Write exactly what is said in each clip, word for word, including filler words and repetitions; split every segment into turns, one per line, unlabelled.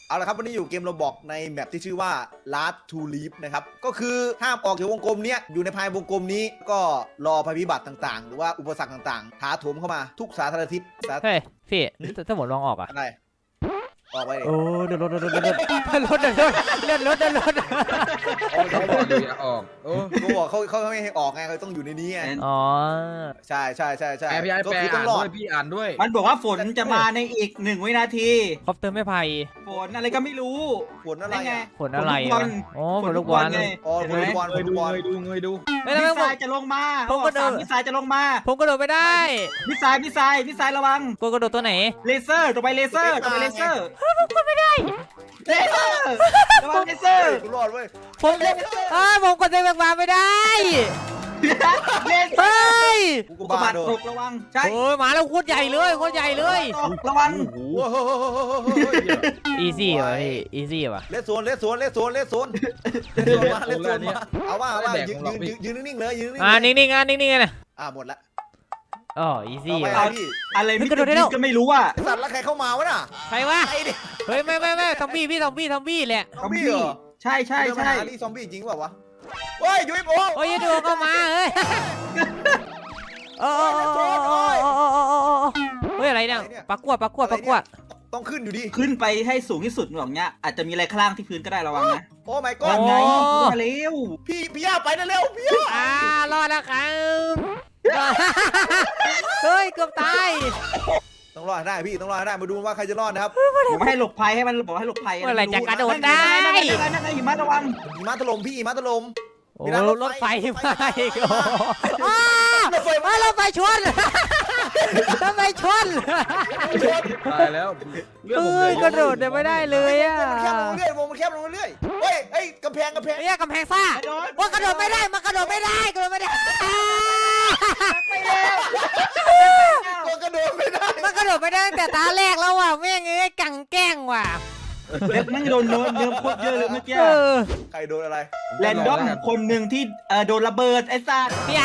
เอาละครับวันนี้อยู่เกมโรบอกในแมปที่ชื่อว่า Last to Live นะครับก็คือห้ามออกจากวงกลมนี้อยู่ในภายวงกลมนี้ก็รอภัยพิบัติต่างๆหรือว่าอุปสรรคต่างๆถาโถมเข้ามาทุกสาธารณทิศ
เฮ้ยพี่ถ้าหมดลองออกอ่ะ
อะไรออกไปเลย
โอ้เดินรถเดินรถเดินรถเดินรถเดินรถเดินรถ
เขาบอกอยู่อย่าออกโอ้
เขาบอกเขาเขาไม่ให้ออกไงเขาต้องอยู่ในนี้ไง
อ๋อ
ใช่ใช่ใช่ใช่
แปลพี่ไอ้
ก็
แปล
คือต้อ
อ่าง น
รอ
ด้ว
ด
ยพี่อ่านด้วย
มันบอกว่าฝนจะมาในอีกหนึ่งวินาที
คอปเตอร์ไม่ไผ่
ฝนอะไรก็ไม่รู้
ฝนอะไร
นั่นไง
อ่ะ
ฝนอะไร
ฝ
อ่ะ
น
โอ้ฝ
ฝ
น
น
ลู
ลู
ก
ก
บบ อ
อ
ล
ลไง
อ๋อฝนลูกบอล
เง
ฝน
ย
ลู
ดู
กบอล
เงยดูเงยดู
ไม่
มิ
ได้
สไซล์จะลงมา
ผมก็เดิน
มิสไซล์จะลงมา
ผมกระโดดไม่ได้
มิสไซล์มิสไซล์มิสไซล์ระวัง
กูกระโดดตัวไหน
เลเซอร์ต่อไปเลเซอร์ต่อไปเลเซอร์ไม่ได้เลเซอร์ระวังเลเซอร์
กูรอดเว้ย
ผมอ้าผมกดเซฟมาไม่ได้
เลเซอ
เฮ้
ร์
ย
กูก็
ก
บ้า
บาด
เด้อ
ตกระวังใช่
โอ้ยมาแล้วโคตรใหญ่เลยโคตรใหญ่เลย
ตกระวัง
โอ้โห
โอ้โห
อีซี่ว่ะพี่อีซี่ว่ะ
เลสโซนเลสโซนเลสโซนเลสโซนเลสโซนมาเลสโซนมาเอาว่าเอาว่ายืนยืนยืนนิ่งๆเลยยืนนิ่งๆ
อ่านิ่งๆอ่ะนิ่งๆนะ
อ่าหมดละ
อ๋ออีซี่
เอาไป
ว่ะ
อะไรพี่
อะไรมิ
กระโดดได้แล้ว
ก็ไม่รู้อ่ะ
สัตว์แล้วใครเข้ามาวะน่ะ
ใครวะ
ไอ้ดิ
เฮ้ยไม่ไม่ไม่ซอมบี้พี่ซอมบี้ซอมบี้แหละ
ซอมบี้เหรอ
ใช่ใช่ใช่
นี่ซอมบี้จริงเปล่าวะเฮ้ยยูเอฟโอ
โอ้ยอย่าดูเข้ามาเฮ้ยโอ้โอ้โอ้โอ้โอ้โอ้โอ้โอ้เฮ้ยอะไรเนี่ยปลากวดปลากวดปลากวด
ต้องขึ้นอยู่ดี
ขึ้นไปให้สูงที่สุดหรอกเนี้ยอาจจะมีอะไรข้างล่างที่พื้นก็ได้ระวังนะ
โอ้ my
ก่อน
god
ไงมาเร็ว
พี่พี่ย่าไปนะเร็วพี่ย่า
อ่ารอดแล้วครับเฮ้ยเกือบตาย
ต้องรอดได้พี่ต้องรอดได้มาดูว่าใครจะรอดนะครับ
ผมให้หลบภัยให้มันบอกให้หลบภัย
เมื่อไหร่จะกระโดดได้
นั่นไงนั่นไงหิมะระวัง
หิมะถล่มพี่หิมะถล่ม
โอ้รถไฟมาอีกโอ้
รถไฟ
มารถไฟชนรถไฟชน
ตายแล้วเรื่อง
เฮ้
ผมเลย ย
กระโดดเนี่ยไม่ได้เลยอ่ะ
มันแคบลงเรื่อยวงมันแคบลงเรื่อยเฮ้ยเฮ้ยกำแพงกำแพง
เฮ้ยกำแพงซ่าว่ากระโดดไม่ได้มันกระโดดไม่ได้กระโดดไม่ได้
ไปแล้ว
ก็กระโดดไม่ได้
มันกระโดดไม่ได้ตั้งแต่ตาแรกแล้วว่ะแม่งเอ้ยกังแกล้งว่ะ
เล็บนั่งโดนเนิร์เนิร์โคตรเยอะเลยเมื่อกี้
เออ
ใครโดนอะไร
แรนดอมคนหนึ่งที่เออโดนระเบิดไอ้สัตว์
พี่ไอ้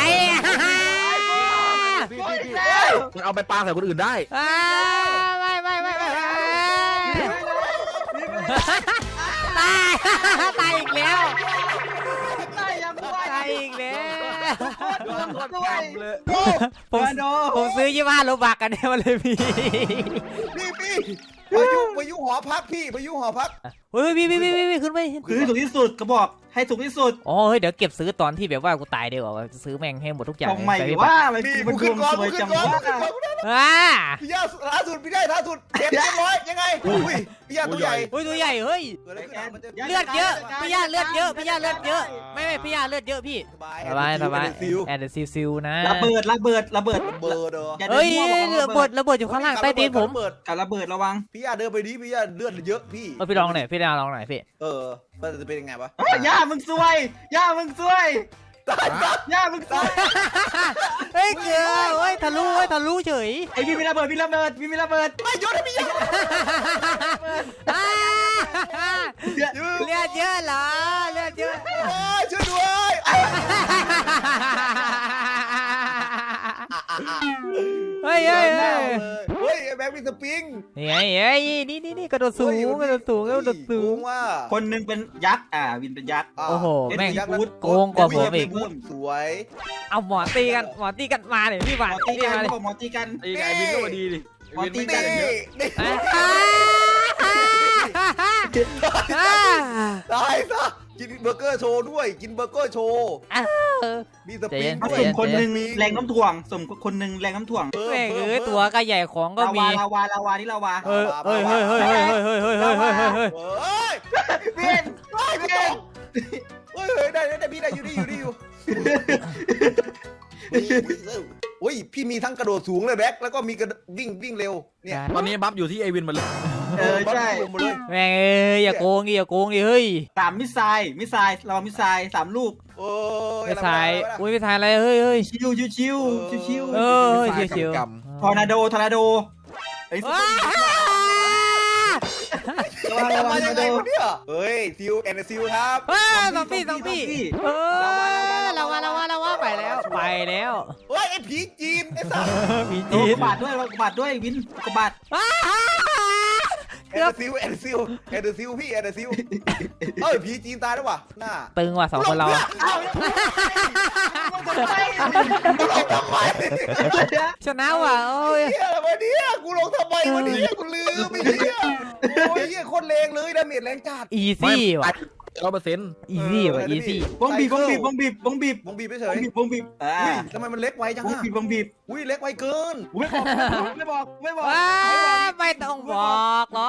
พี่พี่พี่มันเอาไปปาใส่คนอื่นได้
อ่าไม่ไม่ไม่ไม่ไม่ตายตายอีกแล้ว
ตายยังด้วย
ตายอีกแล้ว
ด้วย
ผม
มาโด
ผมซื้อยี่ห้าโลบักกันเนี่ยมาเลยพี่
พี่พี่พายุพายุหอพักพี่พายุหอพัก
เฮ้ยพี่พี่พี่พี่ขึ้นไป
คือสูงที่สุดก็บอกให้สูงที่สุด
อ๋อเฮ้ยเดี๋ยวเก็บซื้อตอนที่แบบว่ากูตายดีกว่าจะซื้อแม่งให้หมดทุกอย่าง
ทำไม
ไปพี่
ว่ามัน
พี่
มั
กู
นด
ขึ้
วน ง
ก่อน
สว
กู
ย
ขึ้
จั
น
ง
ก่อน
ว่า
กูขึ้นก่อน
อ่า
พี่ย่าล่าสุดพี่ได้ล่าสุดเจ็บเรียบร้อยยังไงอุ้ยพี่ย่าตัวใหญ่
เฮ้ยตัวใหญ่เฮ้ย
เกิดอะไรขึ้นมันจะ
เลือดเยอะพี่ย่าเลือดเยอะพี่ย่าเลือดเยอะไม่ไม่พี่ย่าเลือดเยอะพี่
สบาย
สบายสบาย
ซิล
แอนเดอร์ซิลซิลนะ
ระเบิดระเบิดระเบิด
เบอร์เด้อ
อย่า
เฮ้ย
เดินมั่ว
ระเบิดระเบิดอยู่ข้างล่างใต้ตีนผม
กับระเบิดระวัง
พี่ย่าเดินไปดิพี่ย่าเลือดเยอะพี่
เออพี่ลองหน่อยพี่ลองหน่อยพี่
เออมันจะเป็นยังไงวะ
ย่ามึงซวยย่ามึงซวย
ตายตาย
ย่ามึงซวย
เฮ้ยเกลือเฮ้ยทะลุเฮ้ยทะลุเฉย
ไอพี่มีระเบิดมีระเบิดพี่มีระเบิด
ไม่หยุดนะพี่ย่า
อ่า
เดี๋ยว
เลือดเยอะเหรอเลือดเยอะ
โอ้ยช่วยด้วย
เฮ้ยเฮ้ยเฮ้ย
เฮ้ยแบ็คมีสปริง
นี่ไงเฮ้ยนี่นี่นี่กระโดดสูงกระโดดสูงกระโดดสูง
ว่า
คนหนึ่งเป็นยักษ์อ่าวินเป็นยักษ์
โอ้โหแม่ง
พูด
โกงกว่าผมอีก
สวย
เอาหมอตีกันหมอตีกันมาเลยพี่
หม
บา
อ
ท
ตี
ตี
กัน
มาเลย
บอกหมอตีกัน
ไอ้ไอ้วินก็มาดีดิไอ้วินไม่
นี่
ได้เยอะ
นี่ ตายซะกินเบอร์เกอร์โชว์ด้วยกินเบอร์เกอร์โชว์มีสปริง
ผสมคนหนึ่งแรงน้ำถ่วงสมคนหนึ่งแรงน้ำถ่วง
แม่งเอ้ยตัวก็ใหญ่ของก็
ลา
มี
วาลาวาลาวานี่ลาวา
เฮ้ยเฮ้ยเฮ้ยเฮ้ยเฮ้ยเฮ้ยเฮ้ยเฮ้ยเฮ้ยเฮ้ยเฮ้ย
เฮ้ย
เวียน
เฮ้ยไม่ต้องเฮ้ยเฮ้ยได้ได้พี่ได้อยู่ได้อยู่ได้อยู่โอ้ยพี่มีทั้งกระโดดสูงเลยแบ็คแล้วก็มีกระวิ่งวิ่งเร็วเนี่ย
ตอนนี้บัฟอยู่ที่ไอ้วินหมดเลย
เออใช่
หมดเลย
แม่งเอ้ยอย่าโกงดิอย่าโกงดิเฮ้ย
สามมิสไซล์มิสไซล์เรามิสไซล์สามลูก
โอ้ย
ไม่ทายอุ้ยไม่ทายอะไรเฮ้ยเฮ้ย
ชิวชิวชิวชิวชิว
เออเฉียว
ทอร์นาโดทอร์นาโดไอ้
ว้า
ระวังระวั
มาง
ทอ
ยั
ร์
ง
นา
ไง
โด
วะเนี่ยเฮ้ยซิลแอนด์ซิลครับ
เฮ้ยสองพี่สองพี่เออเราว่าเราว่าเราว่าไปแล้วไปแล้ว
เฮ้ยไอ้ผีจีนไอ้สัส
มี
โด
จี
น
น
กบาดด้วยกบาดด้วยวินกบาด
ว้า
ไอ้
เกือบ
แอนเดอร์ซิลแอนเดอร์ซิลแอนเดอร์ซิลพี่แอนเดอร์ซิลเอ้ยผีจีนตายแล้ววะหน้า
ตึงว่ะสองคนเรา
อ้าวมันจะไป
ลงทำไม
ชนะว่ะโอ้ย
เฮียอะไรวะเนี่ยกูลงทำไมวะเนี่ยกูลืมไม่เฮียโอ้ยเฮียโคตรแรงเลยดาเมจแรงจัด
อีซี่ว่ะ
ร้อยเปอร์เซ็นต์
อีซี่ว่ะอีซี่
บงบีบบงบีบบงบีบบงบีบ
วงบีบไปเฉ
บง
ย
บีบบงบีบอ่า
อุ้ยทำไมมันเล็กไวจัง
บง
อะ
บีบบงบีบ
อุ้ยเล็กไวเกิน
ไม่บอกไม่บอกไม่บอก
ว้าไม่ต้องบอกหรอก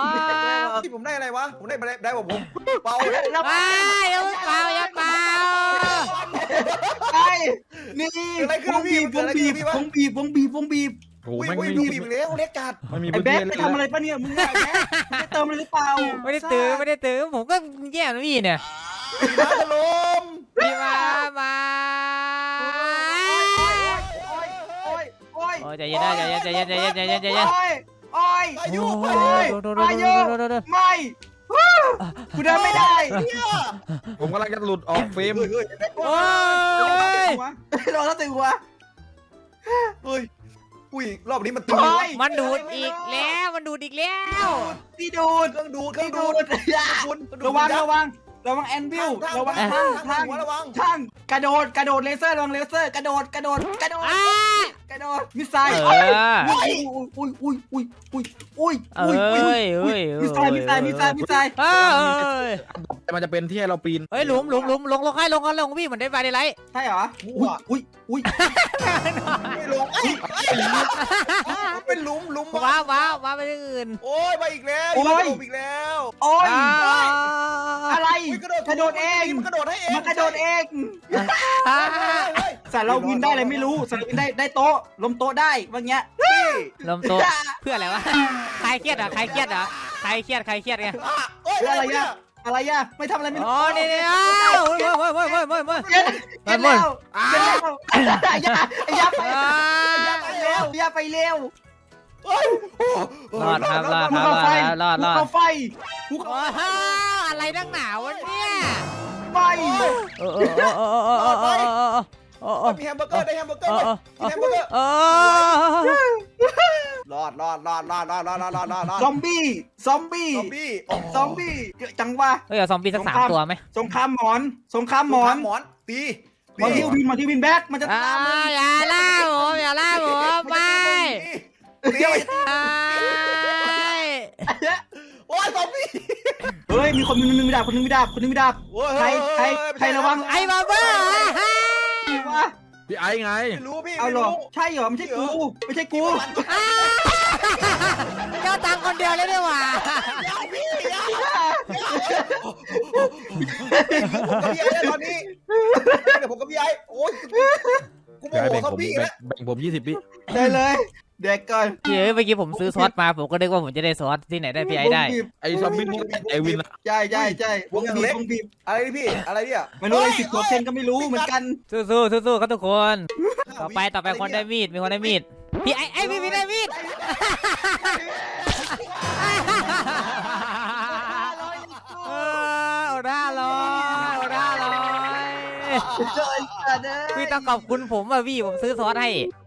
ที่ผมได้อะไรวะผมได้ได้ได้ผมเป่า
แล้ว
ว้ายอย่าเปล่าอย่าเปล่า
ไอ้นี่บงบีบบงบีบบงบีบบงบีบบงบีบ
โอ้โห
อุ้ย
แม่ง
อุ้ย
ไม่
ดู
มี
บีบแล้วเล็กจัด
ไม่มี
ไอ้
พื้น
แบ๊
ที่
กไป
เลย
ทำอะไรปะเนี่ยมึงไอ้แบ๊กไปเติมอะไรหรือเปล่า
ไม่ได้ตื้อไม่ได้ตื้อผมก็แย่นะพี่เนี่ย
มาถล่ม
พี่มามา
โอ้ยโอ้ย
โอ้ยใจเย็นนะใจเย็นใจเย็นใจเย็นใจเย็นใจเย็น
โอ้ยโอ้ย
อายุ
โอ้
ไป
ยโดนโดนโดนโดนโดนโดน
ไม่กูเดินไม่ได้
เนี่ย
ผมกำลังจะหลุดออกเฟรม
เฮ้ยเฮ้ยแบ็ค
โอ้ย
โดนแล้วตึงหัว
เฮ้ยอุ้ยรอบนี้มันตึง
โอ้ย
มันดูดอีกแล้วมันดูดอีกแล้ว
พี่ดูด
เครื่องดูดเครื่
พี่
อง
ดู
ดู
ด
ด
ระวังระวังระวังแอนวิลระวัง
ทา
ทาง ง
ทา
ทาง ง
หัวระวัง
ทางกระโดดกระโดดเลเซอร์ระวังเลเซอร์กระโดดกระโดดกระโดด
อ้าก
ระโดดมิสไซล์
เออ
อุ้ยอุ้ยอุ้ยอุ้ยอุ้ยอุ้ย
เอ้
อุ้ย
ยเอ้ย
มิสไซล์มิสไซล์มิสไซล์มิสไซล์
เอ้ย
มันจะเป็นที่ให้เราปีน
เฮ้ยหลุมหลุมหลุมลงลงให้ลงกันลงพี่เหมือนได้ไฟได้ไร
ใช่เหรออุ้ยอุ้ยอุ้ย
ไม่ลงเอ้ยเป็นหลุมหลุม
ว้าวว้าวว้าวไปที่อื่น
โอ้ยมาอีกแล้วอีกแล้วอีกแล้ว
โอ้ย
อ้าว
อะไร
อุ๊ย
กระโดดเอง
มันกระโดดให้เอง
มันกระโดดเอง
อ้า
เฮ้ย
สารเราวินได้อะไรไม่รู้สารเราวินได้ได้โต๊ะล้มโต๊ะได้ว่าเงี้ย
พี่
ลมโตะเพื่ออะไรวะใครเครียดอ่ะใครเครียดอ่ะใครเครียดใครเครียดไง
อ่ะเอ้ย
เพื่อ
อะ
อะไร ไร
เนี่
อะ
ย
อะไรอะไม่ทำอะไรไม่รู้
อ๋อนี่นี่อ้าวเว้ยเว้ยเว้ยเว้ยเว้ยเว้ย
เย็นเย็นแล้วเย็นแล้วอย่าอย่าไป
อ้า
อย่าไปเร็วอย่าไปเร็ว
เฮ้ยโอ้
รอดครับรอด
ภู
ครับ
เขาไฟ
รอดรอด
ภูเขาไฟภูเขา
โอ้โหอะไรนักหนาวะเนี่ย
ไฟ
เออเออเออเออเออเออเออเออเออ
มีแฮมเบอร์เกอร์ได้แฮมเบอร์เกอ
เอ
ร์
อ
มีแฮมเบอร์เกอร์
เออ
รอดรอดรอดรอดรอดรอดรอดรอดรอดรอด
ซอมบี้ซอมบี้
ซอมบี้โอ้โห
ซอมบี้เยอะจังวะ
เฮ้ยเอาซอมบี้สักสามตัวไหม
สงครามหมอนสงครามหมอน
หมอนตี
หมอนที่วินหมอนที่วินแบ็กมันจะ
อ่า
ตามมึง
อย่าล่าผมอย่าล่าผมไม่
ตี
ไม่
โอ้ยซอมบี้
เฮ้ยมีคนนึงมีดาบคนนึงมีดาบคนนึงมีดาบ
โอ้ย
ใครใครใครระวัง
ไอ้บาเบอร์
วะ
พี่ไอ้ไง
ไม่รู้พี่
เอา
ไม่
หรอ
รู้
ใช่เหรอไม่ใช่กูไม่ใช่กู
เจ้าตังคนเดียวเลยดีกว่า
อย่าพี่อย่าผมกับพี่ไอ้ตอนนี้เดี๋ยวผมกับพี่ไอ้โอ้ยกูโม
พี่ไอ้
โห
แบ่งผม
ซอมบี้
แบ่
แล้ว
งแบ่งผมยี่สิบปี
ได้เลยเด็กก่อน
เฮ้ยเมื่อกี้ผมซื้อซอสมาผมก็นึกว่าผมจะได้ซอสที่ไหนได้พี่ไอ้ได้
ไอ้ซอมบี้นี่ก็เป็นไอวินอะ
ใช่ใช่ใช่วงบีบวงบีบ
อะไรนี่พี่อะไรเนี่ย
ไม่รู้ไอ้สิบตัวเซนก็ไม่รู้เหมือนกัน
สู้สู้สู้สู้ครับทุกคน ต่อไปต่อไปคนได้มีดมีคนได้มีดพี่ไอ้ไอ้พี่พี่ได้มีดเออโอ้ด้าลอยโอ้ด้าลอยพี่ต้องขอบคุณผมอ่ะพี่ผมซื้อซอสให้